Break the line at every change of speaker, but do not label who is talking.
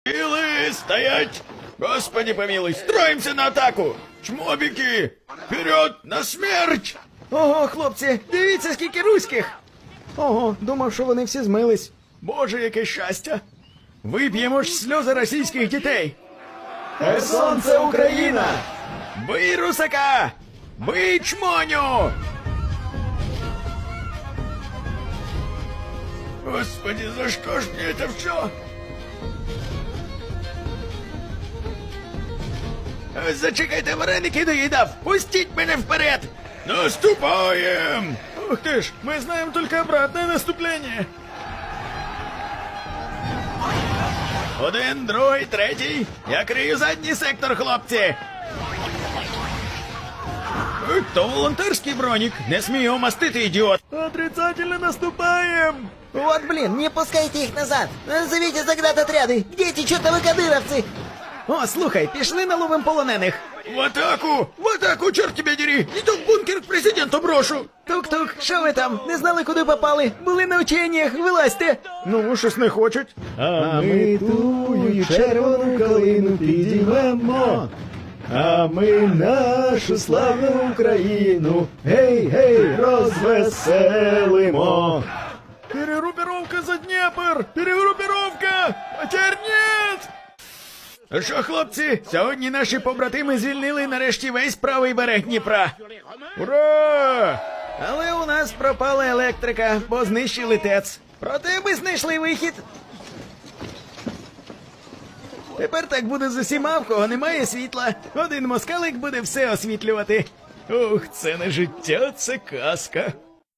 Силы стоять! Господи помилуй, строимся на атаку! Чмобіки! Вперед, на смерть!
Ого, хлопці, дивіться, скільки руських! Ого, думав, що вони всі змились.
Боже, яке щастя! Вип'ємо ж сльози російських дітей!
Херсон — це Україна!
Бий русака! Бий чмоню! Господи, за что ж мне это все? Зачекайте, вареники доїдав! Пустіть мене вперед! Наступаем!
Ух ты ж, мы знаем только обратное наступление.
Один, другий, третій. Я крию задній сектор, хлопці. То волонтерський бронік. Не смій його мастити, ідіот.
Отрицательно наступаем!
Вот блин, не пускайте их назад! Назовите заград отряды! Где эти чертовы кадыровцы?
О, слухай, пішли наловим полонених.
В атаку, черт тебе дери. Не то в бункер к президенту брошу.
Тук-тук, що ви там? Не знали, куди попали? Були на ученнях, вилазьте.
Ну, щось не хочуть.
А ми тую червону калину підіймемо, а ми нашу славну Україну, гей-гей, розвеселимо.
Перегруппировка за Дніпр! Перегруппировка! Потерь нет! Що, хлопці, сьогодні наші побратими звільнили нарешті весь правий берег Дніпра. Ура!
Але у нас пропала електрика, бо знищили ТЕЦ. Проте ми знайшли вихід. Тепер так буде з усіма, в кого немає світла. Один москалик буде все освітлювати.
Ух, це не життя, це казка.